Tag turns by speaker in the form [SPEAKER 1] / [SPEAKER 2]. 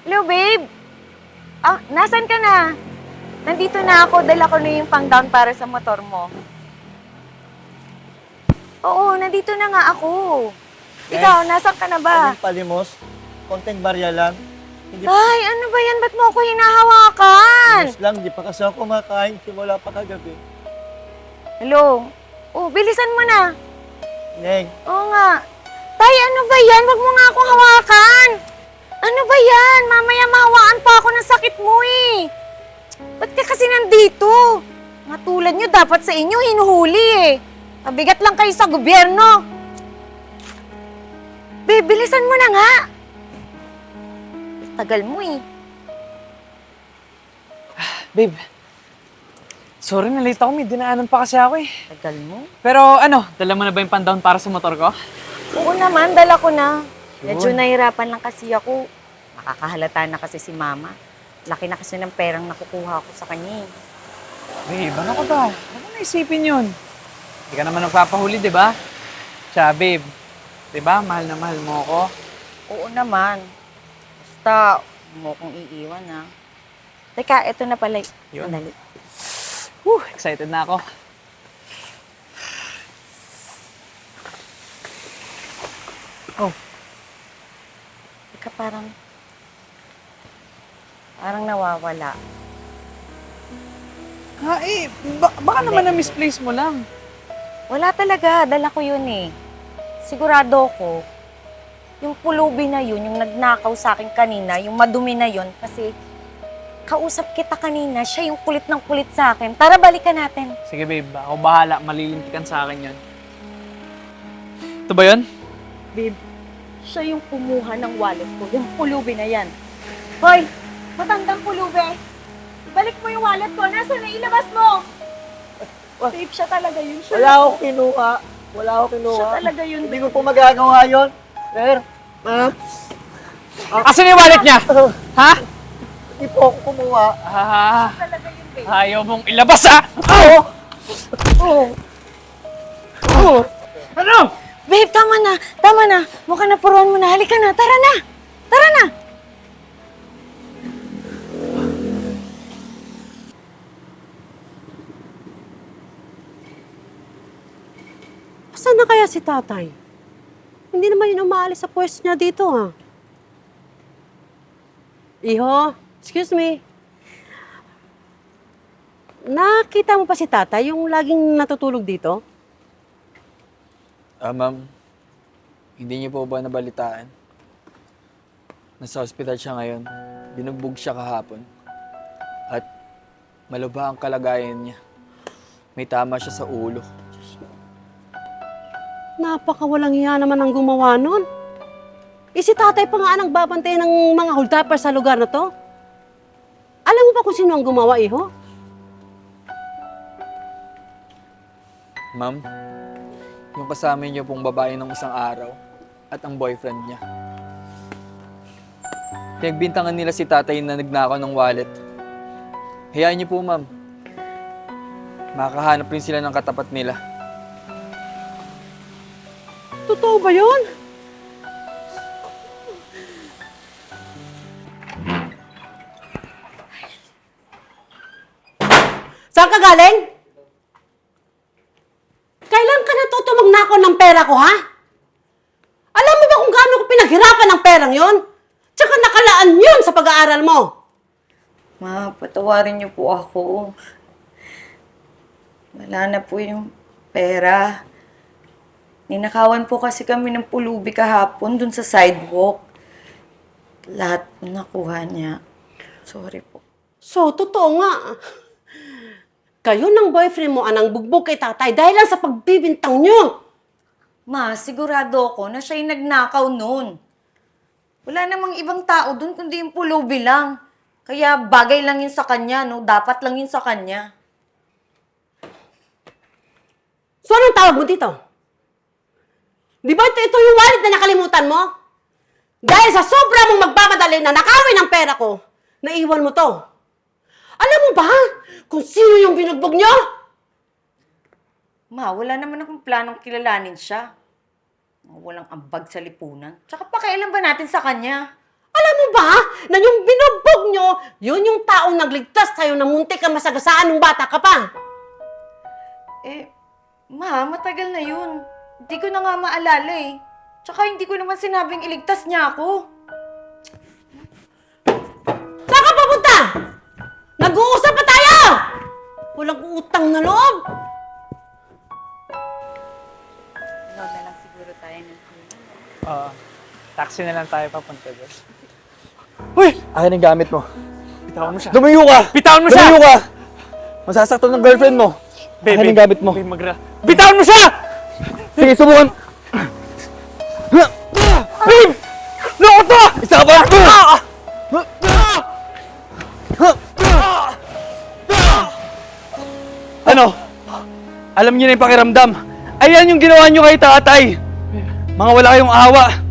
[SPEAKER 1] Hello, babe. Ah, nasan ka na? Nandito na ako. Dala ko na yung pang-down para sa motor mo. Oo, nandito na nga ako. Ikaw, nasan ka na ba?
[SPEAKER 2] Kaming palimos, konting barya lang. Hindi
[SPEAKER 1] Ay, ano ba yan? Ba't mo ako hinahawakan?
[SPEAKER 2] palimos lang, di pa kasi ako kumakain simula pa kagabi.
[SPEAKER 1] Hello? Oh, bilisan mo na.
[SPEAKER 2] Neng,
[SPEAKER 1] Oo nga. Tay, ano ba yan? Wag mo nga akong hawakan. Ano ba yan? Mamaya mahawaan pa ako ng sakit mo eh. Ba't ka kasi nandito? Mga tulad nyo, dapat sa inyo hinuhuli eh. Mabigat lang kayo sa gobyerno. Babe, bilisan mo na nga. Tagal mo eh.
[SPEAKER 3] Babe, sorry na late ako. May dinaanan pa kasi ako eh.
[SPEAKER 1] Tagal mo?
[SPEAKER 3] Pero ano, dala mo na ba yung pan-down para sa motor ko?
[SPEAKER 1] Oo naman, dala ko na. Medyo nahirapan lang kasi ako. Nakakahalata na kasi si Mama. Laki na kasi ng perang nakukuha ko sa kanya eh.
[SPEAKER 3] Babe, ano ka ba? Ano naisipin yun? Hindi ka naman nagpapahuli, di ba? Tsaka babe, di ba? Mahal na mahal mo ako.
[SPEAKER 1] Oo naman. Basta, huwag mo kong iiwan ha. Teka, ito na pala.
[SPEAKER 3] Yun.
[SPEAKER 1] Sandali.
[SPEAKER 3] Excited na ako. Oh,
[SPEAKER 1] Teka, parang nawawala.
[SPEAKER 3] baka naman na-misplace mo lang.
[SPEAKER 1] Wala talaga, dala ko yun eh. Sigurado ko, yung pulubi na yun, yung nagnakaw sa akin kanina, yung madumi na yun, kasi kausap kita kanina, siya yung kulit ng kulit sa akin. Tara, balikan natin.
[SPEAKER 3] Sige babe, ako bahala. Malilintikan sa akin yun. Ito ba yun?
[SPEAKER 1] Babe, siya yung kumuha ng wallet ko, yung pulubi na yan. Hoy, matandang pulubi. Balik mo yung wallet ko. Nasaan na? Ilabas mo! Babe, siya talaga yun.
[SPEAKER 2] wala akong kinuha. Wala akong kinuha.
[SPEAKER 1] Siya talaga yun.
[SPEAKER 2] Hindi ko po magagawa yun. Sir, ma'am,
[SPEAKER 3] Asan yung wallet niya? Ha?
[SPEAKER 2] hindi po ako kumuha.
[SPEAKER 1] Talaga yun, babe.
[SPEAKER 3] Ayaw mong ilabas ah! Ano?
[SPEAKER 1] Babe, tama na. Tama na. Mukhang napuruan mo na. Halika na. Tara na. Tara na.
[SPEAKER 4] Saan na kaya si tatay? Hindi naman yun umaalis sa pwesto niya dito, ha? Iho, excuse me. Nakita mo pa si tatay, yung laging natutulog dito?
[SPEAKER 5] Ma'am, hindi niyo po ba nabalitaan? Nasa ospital siya ngayon. Binugbog siya kahapon. At malubha ang kalagayan niya. May tama siya sa ulo.
[SPEAKER 4] Napakawalang hiya naman ang gumawa nun. Si tatay pa nga ang nagbabantay ng mga hold-upper sa lugar na to. Alam mo ba kung sino ang gumawa, Iho?
[SPEAKER 5] Ma'am, yung kasama niyo pong babae ng isang araw at ang boyfriend niya. Pinagbintangan nila si tatay na nagnakaw ng wallet. Hayaan niyo po, ma'am. Makakahanap rin sila ng katapat nila.
[SPEAKER 4] Totoo ba yun? Saan ka galing? Kailan ka natutulong na ako ng pera ko, ha? Alam mo ba kung gaano ko pinaghirapan ng perang yon? Tsaka nakalaan yun sa pag-aaral mo.
[SPEAKER 1] Ma, patawarin niyo po ako. Wala na po yung pera. Ninakawan po kasi kami ng pulubi kahapon dun sa sidewalk. Lahat nakuha niya. Sorry po.
[SPEAKER 4] So, totoo nga. Kayo ng boyfriend mo anang bugbog kay tatay dahil lang sa pagbibintang nyo.
[SPEAKER 1] Ma, sigurado ako na siya yung nagnakaw noon. Wala namang ibang tao dun kundi yung pulubi lang. Kaya bagay lang yun sa kanya, no? Dapat lang yun sa kanya.
[SPEAKER 4] So, anong tawag mo dito? Di ba ito yung wallet na nakalimutan mo? Dahil sa sobra mong magmamadali na nakawin ang pera ko, naiwan mo to. Alam mo ba kung sino yung binugbog nyo?
[SPEAKER 1] Ma, wala naman akong planong kilalanin siya. Walang ambag sa lipunan. Tsaka pakialam ba natin sa kanya?
[SPEAKER 4] Alam mo ba na yung binugbog nyo, yun yung taong nagligtas sa'yo na muntik ka masagasaan nung bata ka pa?
[SPEAKER 1] Ma, matagal na yun. Hindi ko na nga maalala eh. Tsaka hindi ko naman sinabing iligtas niya ako.
[SPEAKER 4] Saan ka papunta? Nag-uusap pa tayo! Walang utang na loob!
[SPEAKER 1] Lola lang siguro tayo ng
[SPEAKER 3] Taxi na lang tayo papunta doon.
[SPEAKER 5] Akin ang gamit mo.
[SPEAKER 3] Bitawan mo siya.
[SPEAKER 5] Lumayo ka!
[SPEAKER 3] Bitawan mo siya!
[SPEAKER 5] Lumayo ka! Masasaktan ng girlfriend mo.
[SPEAKER 3] Babe,
[SPEAKER 5] Akin ang gamit mo.
[SPEAKER 3] Babe, bitawan mo siya!
[SPEAKER 5] Sige, subukan!
[SPEAKER 3] Babe! Loko to!
[SPEAKER 5] Isa ka pa! Ano? Alam niyo na yung pakiramdam. Ayan yung ginawa niyo kay tatay. Mga wala kayong awa.